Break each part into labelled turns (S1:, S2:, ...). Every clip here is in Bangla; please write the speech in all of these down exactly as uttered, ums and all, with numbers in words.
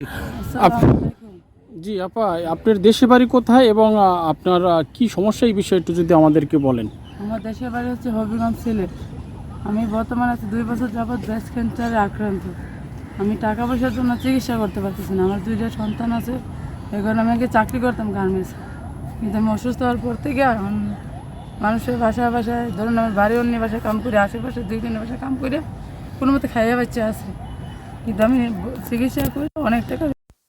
S1: আপ- জি আপা, আপনার দেশে বাড়ি কোথায় এবং আহ, আপনার আহ, কি সমস্যা এই বিষয়ে একটু যদি আমাদেরকে বলেন।
S2: আমার দেশের বাড়ি হচ্ছে হবিগঞ্জ, সিলেট। আমি বর্তমানে আছি দুই বছর যাবৎ ব্রেস্ট ক্যান্সারে আক্রান্ত। আমি টাকা পয়সার জন্য চিকিৎসা করতে পারতেছি না। আমার দুইটা সন্তান আছে, এই কারণে আমি আগে চাকরি করতাম গার্মেন্টসে, কিন্তু আমি অসুস্থ হওয়ার পর থেকে এখন মানুষের বাসায় বাসায় ধরুন আমার বাড়ি অন্য বাসায় কাম করে, আশেপাশে দুই তিনটা বাসায় কাম করে কোনো মতো খাইয়ে বাচ্চা আছে, কিন্তু আমি ব- চিকিৎসা করে অনেক টাকা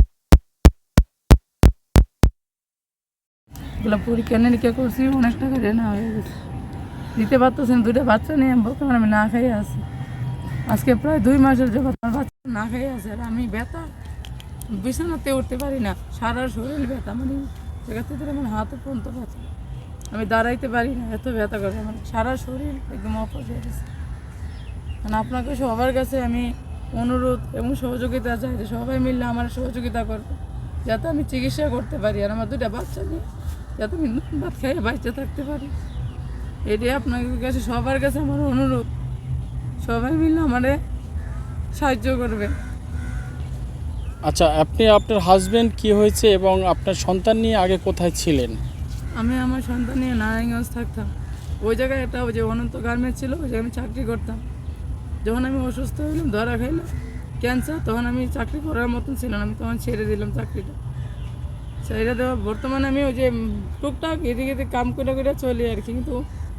S2: এগুলো পরীক্ষা নিরীক্ষা করছি, অনেক টাকা রেনা হয়ে গেছে, দিতে পারতেছেন। দুটো বাচ্চা নিয়ে আমি বর্তমানে আমি না খাইয়ে আছি। আজকে প্রায় দুই মাসের যাবত আমার বাচ্চা না খাইয়ে আছে, আর আমি ব্যথা বিছানাতে উঠতে পারি না, সারা শরীর ব্যথা, মানে জায়গা থেকে আমার হাতও পর্যন্ত ব্যথা, আমি দাঁড়াইতে পারি না, এত ব্যথা করে আমার সারা শরীর একদম অপস হয়ে গেছে। মানে আপনাকে সবার কাছে আমি অনুরোধ এবং সহযোগিতা চাই যে সবাই মিললে আমার সহযোগিতা করবে, যাতে আমি চিকিৎসা করতে পারি আর আমার দুটা বাচ্চা নিয়ে যাতে আমি ভাত খাইয়ে বাঁচতে থাকতে পারি। এটাই আপনাদের কাছে সবার কাছে আমার অনুরোধ, সবাই মিলে আমারে সাহায্য করবে।
S1: আচ্ছা, আপনি আপনার হাজবেন্ড কি হয়েছে এবং আপনার সন্তান নিয়ে আগে কোথায় ছিলেন?
S2: আমি আমার সন্তান নিয়ে নারায়ণগঞ্জ থাকতাম, ওই জায়গায় একটা ওই যে অনন্ত গার্মেন্টস ছিল, ওই জায়গায় আমি চাকরি করতাম। যখন আমি অসুস্থ হইলাম, ধরা খাইলাম ক্যান্সার, তখন আমি চাকরি করার মতন ছিল না, আমি তখন ছেড়ে দিলাম চাকরিটা। ছেড়ে দেওয়া বর্তমানে আমি ওই যে উম, টুকটাক এদিকে এদিকে কাম করে করে চলি আর কি, কিন্তু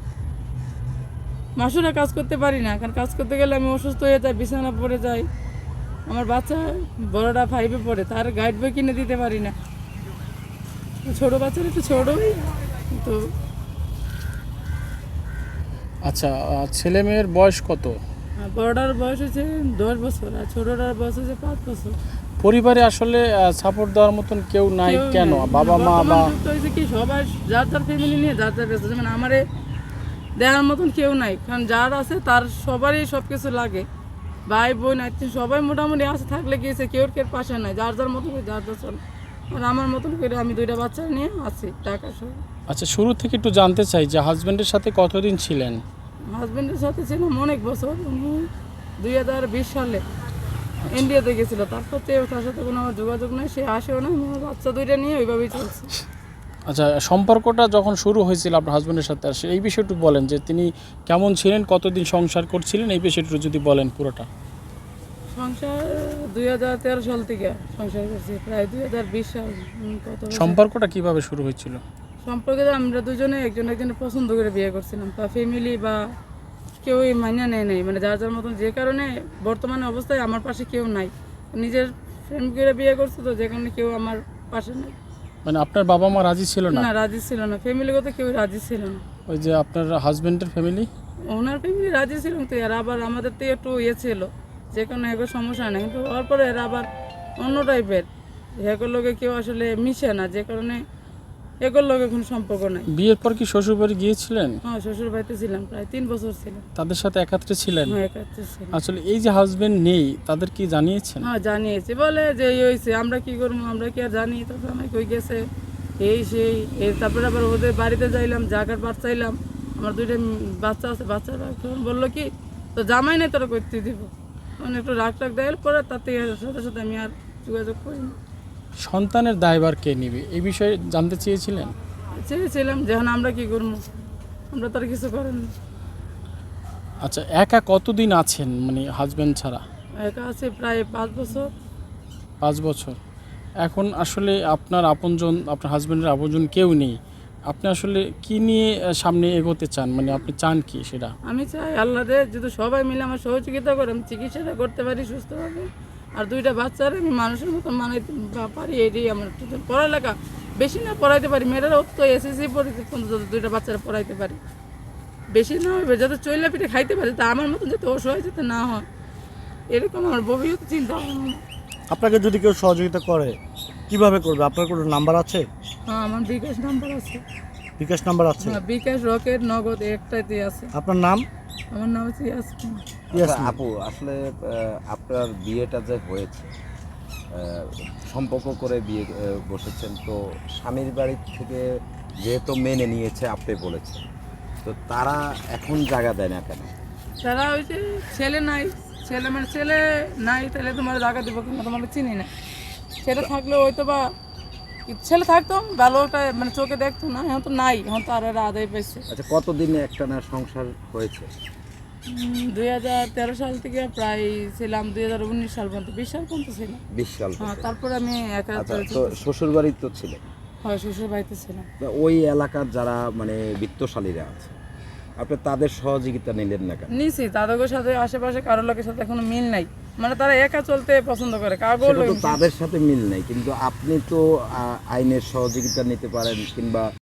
S2: মাসুরা কাজ করতে পারি না, কারণ কাজ করতে গেলে আমি অসুস্থ হয়ে যাই, বিছানা পড়ে যাই। আমার বাচ্চা বড়টা ফাইভে পড়ে, তার গাইড বই কিনে দিতে পারি না, ছোটো বাচ্চার একটু ছোটোই তো।
S1: আচ্ছা, আহ, ছেলে মেয়ের বয়স কত?
S2: বড়টার বয়স হচ্ছে দশ বছর আর ছোটোটার বয়স হচ্ছে পাঁচ বছর।
S1: পরিবারে আসলে সাপোর্ট দেওয়ার মতন কেউ নাই
S2: কেউ
S1: কেন?
S2: নাই।
S1: বাবা মা
S2: বর্তমান
S1: বা
S2: যুগটা হয়েছে কি, সবাই যার যার ফ্যামিলি নিয়ে যার যার ব্যস্ত, যেমন আমারে দেওয়ার মতন কেউ নাই, কারণ যার আছে তার সবারই সব কিছু লাগে, ভাই বোন আত্মীয় সবাই মোটামুটি আছে, থাকলে গিয়েছে কেউ কেউ পাশে নাই, যার যার মতন করে যার যার চলে। আর আমার মতন করে আমি দুইটা বাচ্চা নিয়ে আছি টাকা সহ।
S1: আচ্ছা, শুরু থেকে একটু জানতে চাই যে হাজবেন্ডের সাথে কতদিন ছিলেন?
S2: হাজব্যান্ডের সাথে ছিলাম অনেক বছর, উনি দুই হাজার বিশ সালে ইন্ডিয়াতে গেছিলো, তারপর থেকে তার সাথে কোনো আমার যোগাযোগ নেই, সে আসেও না, আমার বাচ্চা দুইটা নিয়ে ওইভাবেই চলছে।
S1: আচ্ছা, সম্পর্কটা যখন শুরু হয়েছিল আপনার হাজবেন্ডের সাথে, আর সে- এই বিষয়ে একটু বলেন যে তিনি কেমন ছিলেন, কতদিন সংসার করছিলেন, এই বিষয়ে একটু যদি বলেন পুরোটা।
S2: সংসার দুই হাজার তেরো সাল থেকে সংসার করছি, প্রায় দুই হাজার বিশ সাল। উম, কত বছর?
S1: সম্পর্কটা কিভাবে শুরু হয়েছিল?
S2: সম্পর্কে তো আমরা দুজনে একজন একজনের পছন্দ করে বিয়ে করছিলাম, বা ফ্যামিলি বা কেউই মানিয়ে নেয় নাই, মানে যার যার মতন, যে কারণে বর্তমানে অবস্থায় আমার পাশে কেউ নাই। নিজের ফ্রেন্ড করে বিয়ে করছে তো, যে কারণে কেউ আমার পাশে নাই।
S1: মানে আপনার বাবা মা রাজি ছিল না?
S2: না, রাজি ছিল না, ফ্যামিলিগত কেউ রাজি ছিল না।
S1: ওই যে আপনার হাজবেন্ডের ফ্যামিলি?
S2: ওনার ফ্যামিলি রাজি ছিল, তো এরা আবার আমাদের থেকে একটু ইয়ে ছিল, যে কোনো এগো সমস্যা নেই, কিন্তু হওয়ার পরে এরা আবার অন্য টাইপের, এগুলোর লোকে কেউ আসলে মিশে না, যে কারণে এগুলোর লোকে কোনো সম্পর্ক নাই।
S1: বিয়ের পর কি শ্বশুর বাড়ি গিয়েছিলেন?
S2: হ্যাঁ, শ্বশুর বাড়িতে ছিলাম, প্রায় তিন বছর ছিলাম।
S1: তাদের সাথে একাত্রে ছিলেন?
S2: হ্যাঁ, একাত্রে ছিলাম।
S1: আসলে এই যে হাজবেন্ড নেই, তাদের কি জানিয়েছেন?
S2: হ্যাঁ, জানিয়েছি, বলে যে এই হয়েছে, আমরা কি করবো, আমরা কি আর জানি, তারপর আমাকে কই গেছে এই সেই এই, তারপরে আবার ওদের বাড়িতে যাইলাম, জাগার বাচ্চা চাইলাম, আমার দুইটা উম বাচ্চা আছে, বাচ্চারা তখন বললো কি তো জামাই নেই তোরা করতে দিব, তখন একটু রাগ টাগ দেওয়ার পরে তার থেকে সাথে সাথে আমি আর যোগাযোগ করিনি।
S1: সন্তানের দায়ভার কে নিবে, এই বিষয়ে জানতে চেয়েছিলেন?
S2: চেয়েছিলাম যখন আমরা কি করবো, আমরা তো আর কিছু করেন না।
S1: আচ্ছা, একা কতদিন আছেন মানে হাজবেন্ড ছাড়া?
S2: একা আছে প্রায় পাঁচ বছর।
S1: পাঁচ বছর। এখন আসলে আপনার আপনজন, আপনার হাজবেন্ডের আপনজন কেউ নেই, আপনি আসলে কি নিয়ে আহ, সামনে এগোতে চান, মানে আপনি চান কি সেটা?
S2: আমি চাই আল্লাহ দে যদি সবাই মিলে আমার সহযোগিতা করে আমি চিকিৎসাটা করতে পারি সুস্থভাবে, আর দুইটা বাচ্চার আমি মানুষের মতো মানাইতে পা- পারি, এটাই আমার একটু পড়ালেখা বেশি না পড়াইতে পারি, মেয়েরা তো এসএসসি পড়িতে যাতে দুইটা বাচ্চারা পড়াইতে পারি, বেশি না হবে, যাতে চইলা পিঠে খাইতে পারে, তা আমার মতন যাতে অসহায় যাতে না হয়, এরকম আমার ভবিষ্যৎ চিন্তা ভাবনা।
S3: আপনাকে যদি কেউ সহযোগিতা করে কিভাবে করবে? আপনার কোনো নাম্বার আছে?
S2: হ্যাঁ, আমার বিকাশ নাম্বার আছে।
S3: বিকাশ নাম্বার আছে?
S2: হ্যাঁ, বিকাশ, রকেট, নগদ একটাইতে আছে।
S3: আপনার নাম?
S2: আমার নাম হচ্ছে ইয়াসমিন।
S3: ইয়াসমিন।
S4: আচ্ছা, আপু আসলে আহ, আপনার বিয়েটা যে হয়েছে আহ, সম্পর্ক করে বিয়ে আহ, বসেছেন, তো স্বামীর বাড়ি থেকে যেহেতু মেনে নিয়েছে আপনি বলেছেন, তো তারা এখন জায়গা দেয় না কেন?
S2: তারা ওই যে ছেলে নাই, ছেলে মানে ছেলে নাই, তাহলে তোমার জায়গা দিব কেন, তোমাকে চিনি না, ছেলে থাকলে হয়তো বা কি- ছেলে থাকতো ভালো একটা মানে চোখে দেখতো না, এখন তো নাই, এখন তো আর এরা আদায় পাইছে।
S4: আচ্ছা, কতদিনে একটা না সংসার হয়েছে?
S2: দুই হাজার তেরো সাল থেকে প্রায় ছিলাম দুই হাজার উনিশ সাল পর্যন্ত, বিশ সাল পর্যন্ত ছিলাম।
S4: বিশ সাল
S2: হ্যাঁ,
S4: পর্যন্ত।
S2: তারপরে আমি একা
S4: আচ্ছা,
S2: চলে
S4: তো
S2: যেতে-
S4: শ্বশুর বাড়ি তো ছিলেন,
S2: হয় শ্বশুর বাড়িতে ছিলাম।
S4: তা ওই এলাকার যারা মানে বিত্তশালীরা আছে, আপনি তাদের সহযোগিতা নিলেন না কেন?
S2: নিছি, তাদের সাথে আশেপাশে কারোর লোকের সাথে এখনো মিল নাই, মানে তারা একা চলতে পছন্দ করে, কাগজ
S4: সেটা তো তাদের সাথে মিল নাই, কিন্তু আপনি তো আহ, আইনের সহযোগিতা নিতে পারেন কিংবা